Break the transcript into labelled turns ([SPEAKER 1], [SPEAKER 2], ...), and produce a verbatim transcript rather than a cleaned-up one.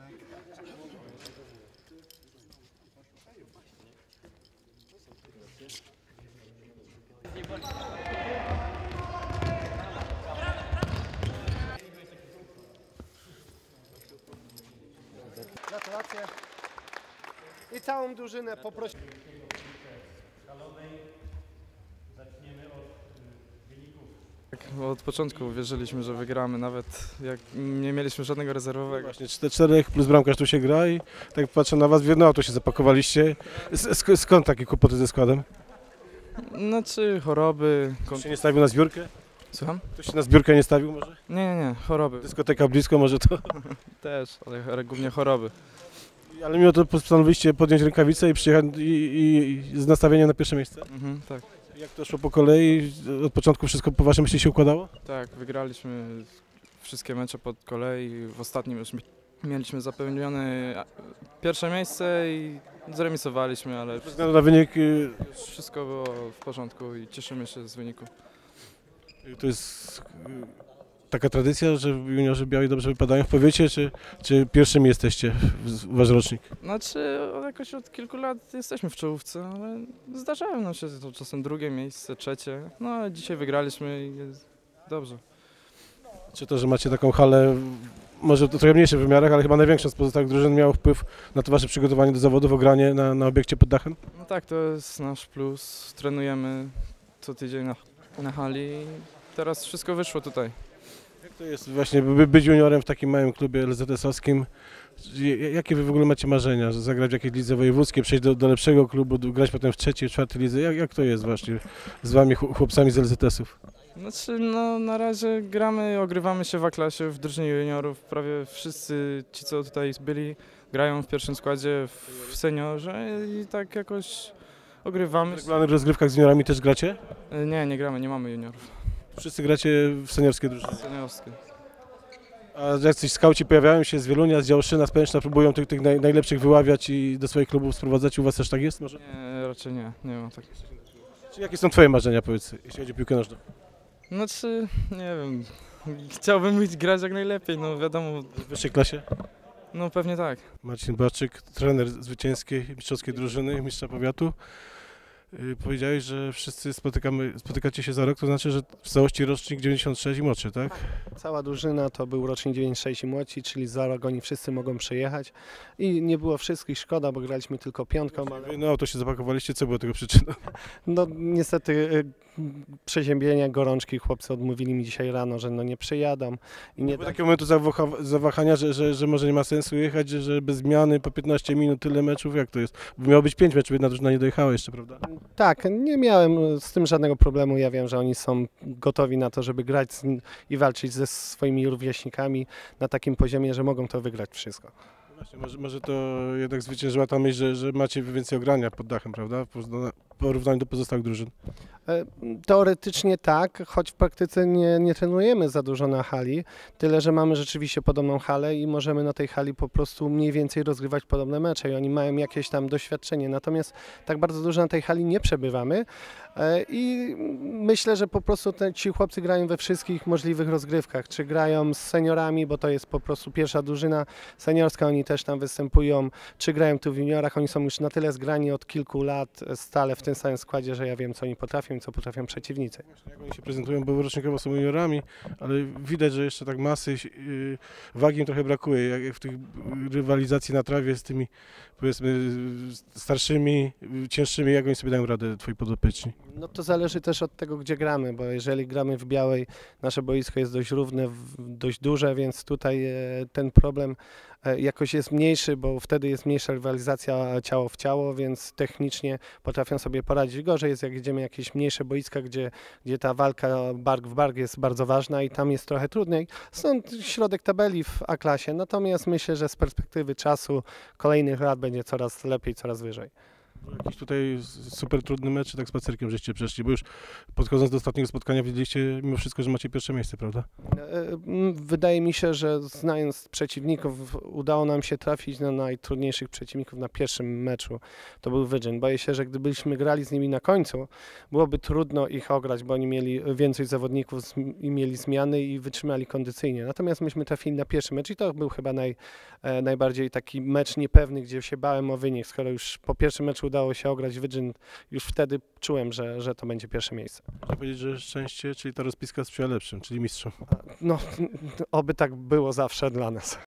[SPEAKER 1] Gratulacje. I całą drużynę poprosimy.
[SPEAKER 2] Zaczniemy od wyników.
[SPEAKER 3] Tak, od początku wierzyliśmy, że wygramy, nawet jak nie mieliśmy żadnego rezerwowego.
[SPEAKER 4] Właśnie czterech plus bramkarz tu się gra i tak patrzę na was, w jedno auto się zapakowaliście. Sk skąd takie kłopoty ze składem?
[SPEAKER 3] Znaczy choroby...
[SPEAKER 4] Ktoś się nie stawił na zbiórkę?
[SPEAKER 3] Słucham?
[SPEAKER 4] Ktoś się na zbiórkę nie stawił może?
[SPEAKER 3] Nie, nie, nie, choroby
[SPEAKER 4] Dyskoteka blisko może to?
[SPEAKER 3] też, ale, ale głównie choroby.
[SPEAKER 4] Ale mimo to postanowiliście podjąć rękawice i przyjechać i, i, i z nastawieniem na pierwsze miejsce?
[SPEAKER 3] Mhm, tak,
[SPEAKER 4] Jak to szło po kolei? Od początku wszystko po waszym myśli się układało?
[SPEAKER 3] tak, wygraliśmy wszystkie mecze pod kolei, w ostatnim już mi- mieliśmy zapewnione pierwsze miejsce i zremisowaliśmy, ale
[SPEAKER 4] Bez względu na wynik, y,
[SPEAKER 3] wszystko było w porządku i cieszymy się z wyniku.
[SPEAKER 4] to jest y, taka tradycja, że juniorzy biali dobrze wypadają w powiecie, czy, czy pierwszymi jesteście, w- wasz rocznik?
[SPEAKER 3] Znaczy od- jakoś od kilku lat jesteśmy w czołówce, ale zdarzają nam się to czasem drugie miejsce, trzecie, no ale dzisiaj wygraliśmy i jest dobrze.
[SPEAKER 4] Czy to, że macie taką halę, może to trochę mniejszych wymiarach, ale chyba największą z pozostałych drużyn, miało wpływ na to wasze przygotowanie do zawodów, ogranie na, na obiekcie pod dachem?
[SPEAKER 3] No tak, to jest nasz plus, trenujemy co tydzień na, na hali i teraz wszystko wyszło tutaj.
[SPEAKER 4] Jak to jest właśnie by, być juniorem w takim małym klubie L Z S-owskim? J- Jakie wy w ogóle macie marzenia? Że zagrać w jakiejś lidze wojewódzkiej, przejść do, do lepszego klubu, do, grać potem w trzeciej, w czwartej lidze? Jak, jak to jest właśnie z wami chł- chłopcami z L Z S-ów?
[SPEAKER 3] Znaczy no na razie gramy, ogrywamy się w A-klasie, w drużynie juniorów, prawie wszyscy ci co tutaj byli grają w pierwszym składzie, w seniorze i tak jakoś ogrywamy.
[SPEAKER 4] W
[SPEAKER 3] się.
[SPEAKER 4] regularnych rozgrywkach z juniorami też gracie?
[SPEAKER 3] Nie, nie gramy, nie mamy juniorów.
[SPEAKER 4] Wszyscy gracie w seniorskiej drużynie.
[SPEAKER 3] Seniorskie.
[SPEAKER 4] A jacyś skauci pojawiają się z Wielunia, z Działoszyna, z Pęczna, próbują tych, tych naj, najlepszych wyławiać i do swoich klubów sprowadzać. U was też tak jest może?
[SPEAKER 3] Nie, raczej nie, nie ma tak.
[SPEAKER 4] Czy jakie są twoje marzenia, powiedz, jeśli chodzi o piłkę nożną?
[SPEAKER 3] Znaczy, nie wiem, chciałbym być grać jak najlepiej, no wiadomo,
[SPEAKER 4] W wyższej klasie?
[SPEAKER 3] no pewnie tak.
[SPEAKER 4] Marcin Barczyk, trener zwycięskiej mistrzowskiej drużyny, mistrza powiatu. Yy, powiedziałeś, że wszyscy spotykamy, spotykacie się za rok, to znaczy, że w całości rocznik dziewięćdziesiąt sześć i młodszy, tak?
[SPEAKER 1] Cała drużyna to był rocznik dziewięćdziesiąt sześć i młodsi, czyli za rok oni wszyscy mogą przyjechać. I nie było wszystkich, szkoda, bo graliśmy tylko piątką, ale
[SPEAKER 4] Wy na auto się zapakowaliście, co było tego przyczyną?
[SPEAKER 1] no niestety y, przeziębienia, gorączki, chłopcy odmówili mi dzisiaj rano, że no nie przyjadą. I nie
[SPEAKER 4] Nie było
[SPEAKER 1] da...
[SPEAKER 4] takiego momentu zawaha- zawahania, że, że, że może nie ma sensu jechać, że, że bez zmiany po piętnaście minut tyle meczów, jak to jest? Bo miało być pięć meczów, jedna drużyna nie dojechała jeszcze, prawda?
[SPEAKER 1] Tak, nie miałem z tym żadnego problemu. Ja wiem, że oni są gotowi na to, żeby grać z, i walczyć ze swoimi rówieśnikami na takim poziomie, że mogą to wygrać wszystko.
[SPEAKER 4] Właśnie, może, może to jednak zwyciężyła ta myśl, że, że macie więcej ogrania pod dachem, prawda? W porówna- w porównaniu do pozostałych drużyn.
[SPEAKER 1] E, Teoretycznie tak, choć w praktyce nie, nie trenujemy za dużo na hali, tyle że mamy rzeczywiście podobną halę i możemy na tej hali po prostu mniej więcej rozgrywać podobne mecze i oni mają jakieś tam doświadczenie, natomiast tak bardzo dużo na tej hali nie przebywamy e, i myślę, że po prostu te, ci chłopcy grają we wszystkich możliwych rozgrywkach, czy grają z seniorami, bo to jest po prostu pierwsza drużyna seniorska, oni też tam występują, czy grają tu w juniorach, oni są już na tyle zgrani od kilku lat stale w tym samym składzie, że ja wiem, co oni potrafią i co potrafią przeciwnicy.
[SPEAKER 4] Jak oni się prezentują, bo rocznikowo są juniorami, ale widać, że jeszcze tak masy, yy, wagi im trochę brakuje, jak jak w tych rywalizacji na trawie z tymi, powiedzmy, starszymi, yy, cięższymi, jak oni sobie dają radę, twoi podopieczni?
[SPEAKER 1] No to zależy też od tego, gdzie gramy, bo jeżeli gramy w Białej, nasze boisko jest dość równe, w- dość duże, więc tutaj e, ten problem e, jakoś jest mniejszy, bo wtedy jest mniejsza rywalizacja ciało w ciało, więc technicznie potrafią sobie poradzić. Gorzej jest, jak idziemy jakieś mniejsze boiska, gdzie, gdzie ta walka bark w bark jest bardzo ważna i tam jest trochę trudniej. Stąd środek tabeli w A-klasie, natomiast myślę, że z perspektywy czasu kolejnych lat będzie coraz lepiej, coraz wyżej.
[SPEAKER 4] Jakiś tutaj super trudny mecz, czy tak spacerkiem żeście przeszli, bo już podchodząc do ostatniego spotkania wiedzieliście mimo wszystko, że macie pierwsze miejsce, prawda?
[SPEAKER 1] E, m, Wydaje mi się, że znając przeciwników, udało nam się trafić na najtrudniejszych przeciwników na pierwszym meczu. To był Wydrzyn. Boję się, że gdybyśmy grali z nimi na końcu, byłoby trudno ich ograć, bo oni mieli więcej zawodników zm- i mieli zmiany i wytrzymali kondycyjnie. Natomiast myśmy trafili na pierwszy mecz i to był chyba naj, e, najbardziej taki mecz niepewny, gdzie się bałem o wynik. Skoro już po pierwszym meczu udało się ograć Wydrzyn, już wtedy czułem, że, że to będzie pierwsze miejsce.
[SPEAKER 4] Można powiedzieć, że szczęście, czyli ta rozpiska sprzyja lepszym, czyli mistrzom.
[SPEAKER 1] No, oby tak było zawsze dla nas.